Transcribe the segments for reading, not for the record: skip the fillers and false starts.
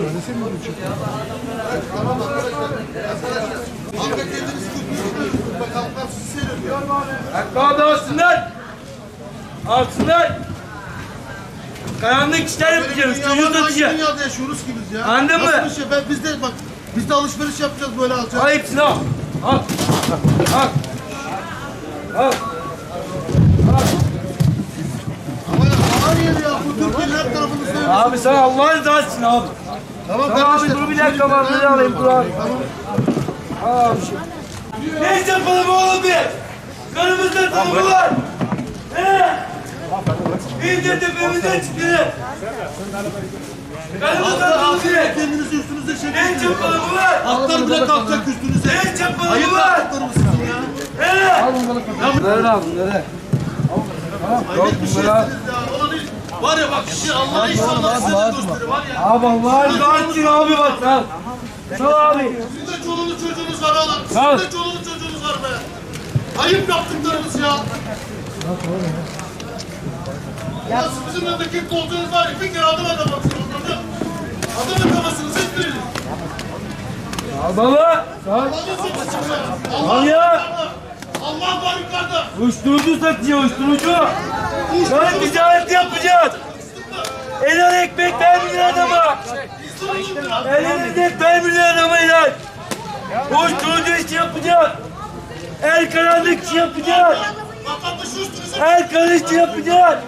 Tamam arkadaşlar. Kanka kendinizi tutmuşsunuz. Bakalım sizi seyrediyor. Hakkı alsınlar. Alsınlar. Karanlık işler yapacağız. Çocuğu satacağız. Dünyada yaşıyoruz ki biz ya. Anladın mı? Nasıl bir şey? Biz de bak, biz de alışveriş yapacağız, böyle alacağız. Al hepsini al. Al. Al. Al. Ama ya hayır ya, bu Türkiye'nin her tarafını söylüyorsun. Abi sana Allah'ın rızası için abi. Tamam Abi dur bir dakika ben alayım dur abi. Tamam. Abi. Ne yapalım oğlum bir? Karımızda tanımı var. İyice tepemizden çıktı. Karımızda tanımı var. Kendinizi üstünüze Ne çekin. yapalım var? Atlar bile kalkacak üstünüze. Ne yapalım Ayıp var? atlarım sizin ya. Nerede aldın nerede? Hayret bir şeysiniz ya. Ulan hiç- Var ya bak, şimdi Allah'a inşallah size de gösterir var ya. Abi Allah'ın rızası için abi bak al. Sağ abi. Sizin de çoluğunuz çocuğunuz var oğlum. Sağ. Sizin de çoluğunuz çocuğunuz var be. Ayıp yaptıklarınız ya. Ya bizim memlekette olduğunuz var ya, bir kere adım atamazsınız hocam. Adım atamazsınız hiçbiriniz. Al baba. Sağ. Allah'ın sesi ya. Al Allah ya. yukarıda. Allah var yukarıda. Uyuşturucu satıyor uyuşturucu. Böyle ticaret yapacağız. Helal ekmek vermiyor adama. Helal ekmek vermiyor adama helal. Uyuşturucu işi yapacağız. El karanlık işi yapacağız. Vatandaşı üstünüze. El karış işi yapacağız.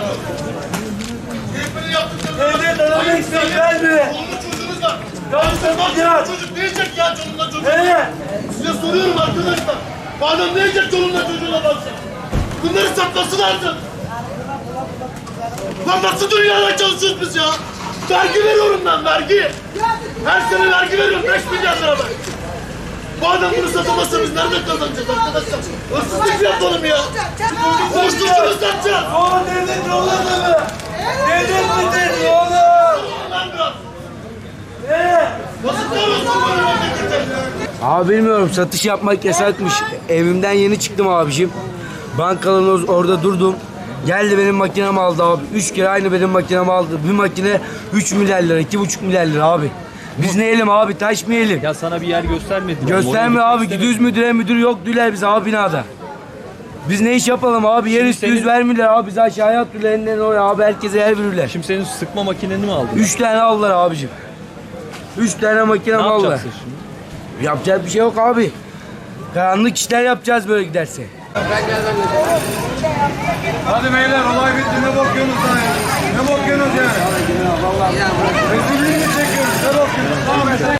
Ekmeği yaptıklarınız var. Devlet adama ekmek vermiyor. Çoluğunuz çocuğunuz var. Karış yapacağız. Çocuk ne yiyecek ya çoluğunla çocuğu? Evet. Size soruyorum arkadaşlar. Bu adam ne yiyecek çoluğunla çocuğuna baksın? Bunları saklasın artık. Lan nasıl dünyada çalışıyoruz biz ya? Vergi veriyorum ben, vergi. Her sene vergi veriyorum, 5 milyar lira ben. Bu adam bunu satamazsa biz nerede kazanacağız arkadaşlar? Hırsızlık yapalım ya. Borçlusunuz satacağız. O devlet yolu adamı. Devlet midir oğlum? Lan biraz. Evet. Nasıl koruyorsun böyle memleketi? Abi bilmiyorum, satış yapmak yasakmış. Evimden yeni çıktım abicim. Bankaların orada durdum. Geldi benim makinemi aldı abi. 3 kere aynı benim makinemi aldı. Bir makine 3 milyar lira, 2,5 milyar lira abi. Biz ne yiyelim abi, taş mı yiyelim? Ya sana bir yer göstermediler. Gösterme Oraya abi, gitmek gidiyoruz müdüre, müdür yok diyorlar bize abi binada. Biz ne iş yapalım abi, yer üstü senin- yüz vermiyorlar abi, bize aşağıya atıyorlar elinden oraya abi, herkese yer verirler. Şimdi senin sıkma makineni mi aldın? 3 tane aldılar abicim. 3 tane makine Ne aldılar. yapacaksın şimdi? Yapacak bir şey yok abi. Karanlık işler yapacağız böyle giderse. Hadi beyler olay bitti ne bakıyorsunuz lan ya? Ne bakıyorsunuz yani? Rezilliğini çekiyoruz ne bakıyorsunuz? Tamam.